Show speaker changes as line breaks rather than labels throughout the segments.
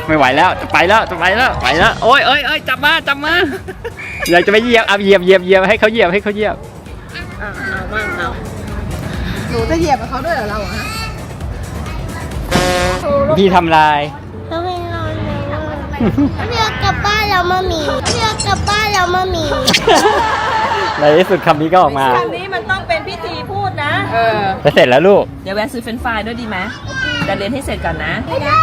ไม่ไหวแล้วจะไปแล้วจะไปแล้วไปแล้วโอ้ยจับมาอยากจะไปเหยียบเหยียบให้เขาเหยียบเอามั่งเอาหนูจะเหยียบกับเขาด้วยเหรอเราฮะพี่ทำลาย
ทำไมนอนเรียกกลับบ้านเรามามี
ในที่สุดคำนี้ก็ออกมา
คำนี้มันต้องเป็นพิธีพูดนะ
แล้วเสร็จแล้วลูก
เดี๋ยวแวะซื้อเฟรนช์ฟรายด้วยดีไหมแต่เรียนให้เสร็จก่อนนะ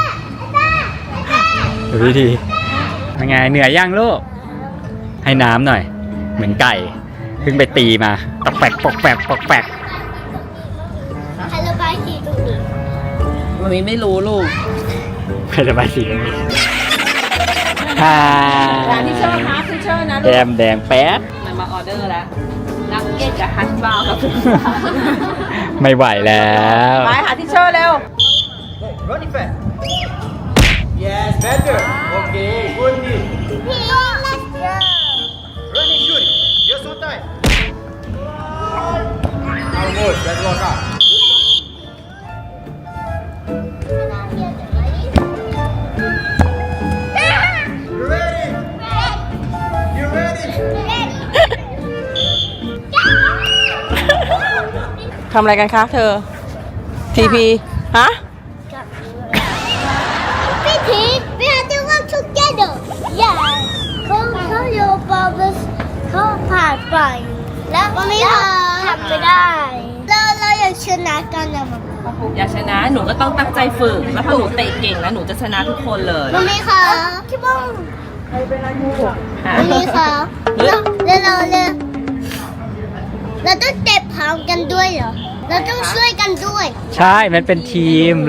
ดูวิธีเป็นไงเหนื่อยย่างลูกให้น้ำหน่อยเหมือนไก่เพิ่งไปตีมาตอกแปก
ใครระบายสีตรงนี้
มันไม่รู้ลูก
ใครระบายสีตรงนี้
ร้านที่เชอร์นะที่เชอร์นะลูก
แดงแป๊ด
มันมาออเดอร์แล้วนักเก็ตกับฮัชบาวครับ
ไม่ไหวแล้ว
ไปหาที่เชอร์เร็ว
Running fast. Yes, better. Okay, good knee. Running, shooting. Just one time. Almost. Let's walk out. You ready? You ready?
ทำอะไรกันคะเธอ TP ฮะ
We have to work together. Yeah. เขาโยบอลเขาผ่านไปแล้วไม่ทำไม่ได้เราอยากชนะกันนะมัน
อยากชนะหนูก็ต้องตั้งใจฝึกแล้วถ้าหนูเตะเก่งแล้วหนูจะชนะทุกคนเลย
มันมีค่ะคิดว่ามันมีค่ะแล้วเราต้องเตะพร้อมกันด้วยเหรอเราต้องช่วยกันด้วย
ใช่มันเป็นทีม